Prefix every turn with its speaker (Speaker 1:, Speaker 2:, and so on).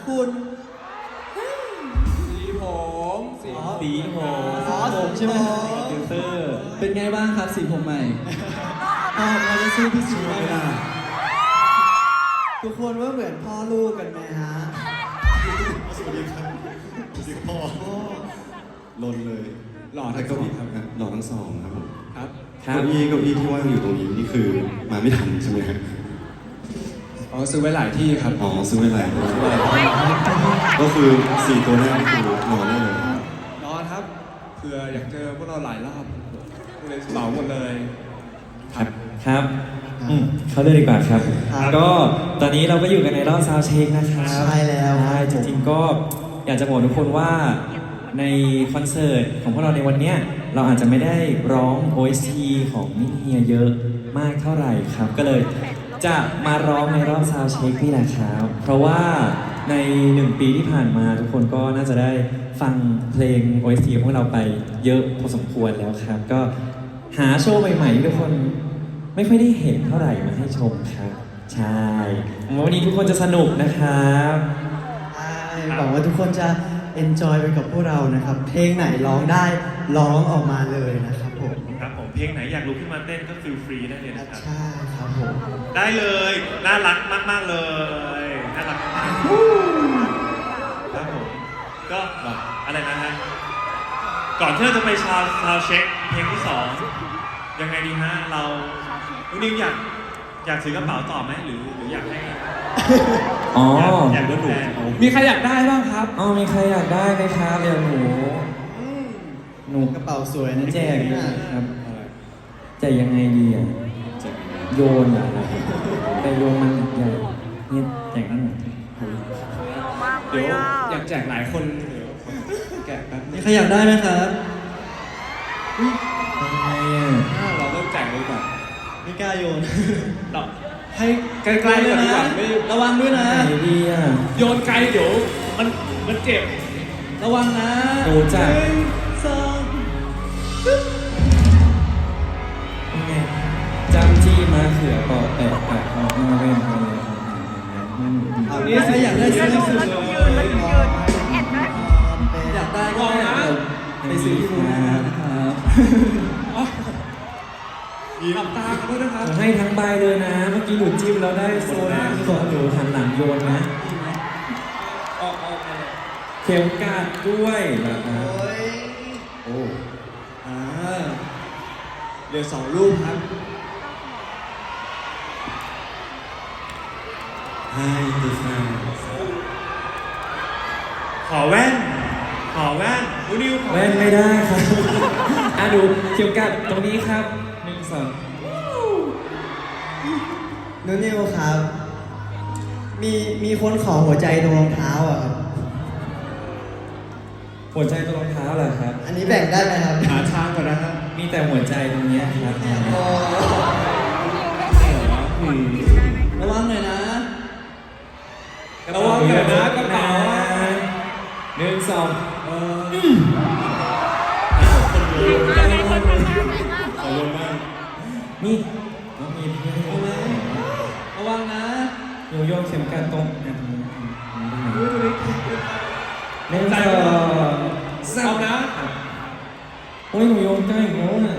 Speaker 1: คุณ
Speaker 2: สีผมสีผม
Speaker 1: ผมใช่ไหม
Speaker 2: ฟิลเตอร์
Speaker 1: เป็นไงบ้างครับสีผมใหม่เราจะสู้พี่สีไม่ได้ทุกคนว่าเหมือนพ่อลูกกันไหมฮะ
Speaker 3: สวัสดีครับสวัสดีพ่อลนเลย
Speaker 2: หล่อ
Speaker 3: แล้
Speaker 2: ทั้
Speaker 3: ว
Speaker 2: ง
Speaker 3: ก็
Speaker 2: สองครับ
Speaker 3: หล่อทั้งสองครับผม
Speaker 2: ครับ
Speaker 3: เก้าอี้ที่ว่างอยู่ตรงนี้นี่คือมาไม่ทันใช่ไหมครับ
Speaker 2: อ๋อซื้อไว้หลายที่ครับ
Speaker 3: อ๋อซื้อไว้หลายตัวก็คือ4 ตัวแรกนี่คือนอนได้เลย
Speaker 2: นอนครับเผื่ออยากเจอพวกเราหลายรอบเลยเหมาหมดเลยครับ
Speaker 4: ครับเขาเลยดีกว่าครับ ก็ตอนนี้เราก็อยู่กันในรอบซาวด์เช็คนะครับ
Speaker 1: ใช่แล้ว
Speaker 4: ใช่จริงๆก็อยากจะบอกทุกคนว่าในคอนเสิร์ตของพวกเราในวันเนี้ยเราอาจจะไม่ได้ร้อง OST ของมิเฮียเยอะมากเท่าไหร่ครับ ก็เลยจะมาร้องในรอบซาวด์เช็คนี่แหละครับ เพราะว่าใน1 ปีที่ผ่านมาทุกคนก็น่าจะได้ฟังเพลง OST ของพวกเราไปเยอะพอสมควรแล้วครับ ก็หาโชว์ใหม่ๆที่ทุกคนไม่ค่อยได้เห็นเท่าไหร่มาให้ชมครับ ใช่วันนี้ทุกคนจะสนุกนะครับ
Speaker 1: หวังว่าทุกคนจะ enjoy ไปกับพวกเรานะครับ เพลงไหนร้องได้ร้องออกมาเลยนะครับผม
Speaker 5: ครับผมเพลงไหนอยากลุกขึ้นมาเต้นก็ฟิลฟรีได้เลยนะครับ
Speaker 1: ใช่ครับผม
Speaker 5: ได้เลยน่ารักมากๆเลยน่ารักมากครับผมก็อะไรนะฮะก่อนที่เราจะไปชาวเช็คเพลงที่ 2ยังไงดีฮะเรานุนิวอยากถือกระเป๋าต่อไหมหรืออยากให้
Speaker 4: อ๋อ
Speaker 5: อยากดูแล
Speaker 2: มีใครอยากได้บ้างครับ
Speaker 4: อ๋อมีใครอยากได้ไหมครับอย่างหนู
Speaker 1: กระเป๋าสวยนะ
Speaker 4: แจกเลยครับแจกยังไงดีอ่ะโยนเหรอครับแต่โยนมันใหญ่นี่แจกนั่นหน่อย
Speaker 2: เดี๋ยวอยากแจกหลายคนเดี๋ยวแกะแป๊บนึ
Speaker 1: มี
Speaker 2: ง
Speaker 1: ใครอยากได้ไหมครับ
Speaker 4: ยังไงอ่ะ
Speaker 2: เราเริ่มแจกเลยดีกว่า
Speaker 1: ไม่กล้าโยน
Speaker 2: เราให้ใกล้ๆกันดีกว่าไม่
Speaker 1: ระวังด้วยนะ
Speaker 4: ไหนดีอ่ะ
Speaker 2: โยนไกลเดี๋ยวมันเจ็บ
Speaker 1: ระวังนะ
Speaker 4: ดูจ้ะ
Speaker 1: 1 2
Speaker 4: ไงจำจี้มาเขือปอกแปะปากออกมาเว้นไปเลย
Speaker 1: เอานี้ใครอยากได้ซื้อสุดเลยอยากได้ก็ไปซื้อที่บูธนะครับ
Speaker 2: หลับตากันด้วยนะครับ
Speaker 4: ให้ทั้งใบเลยนะ เมื่อกี้หนูจิ้มแล้วได้โซน่าที่บอกหนูหันหลังโยนนะ
Speaker 2: ออกไป
Speaker 4: เข็มกาดด้วยนะครับ
Speaker 1: โอ้เดี๋ยว2 รูปครับ
Speaker 3: ให้ดูแฟน
Speaker 5: ขอแว่นนุนิวขอ
Speaker 4: แว่นไม่ได้ครับ ดูเข็มกาดตรงนี้ครับ1 2
Speaker 1: นุนิวครับ มีคนขอหัวใจตรงรองเท้าอ่ะครับ
Speaker 4: หัวใจตรงรองเท้าเหรอครับ
Speaker 1: อันนี้แบ่งได้ไหมครับ
Speaker 2: หาทางก่อนนะครับ
Speaker 4: มีแต่หัวใจตรงเนี้ยครับ
Speaker 1: ระวังหน่อยนะ
Speaker 2: ระวังหน่อยนะกระเป๋า
Speaker 4: 1 2
Speaker 3: ขอโยนมาก
Speaker 4: นี่น้องมีเพื่อน
Speaker 1: เอาไหมระวังนะ
Speaker 4: โยโย่เข็มกาดตรงอ่ะตรงนี้1 2
Speaker 2: เอานะ
Speaker 4: โอ้ยหนูโยนใกล้อีกแล้วน่ะ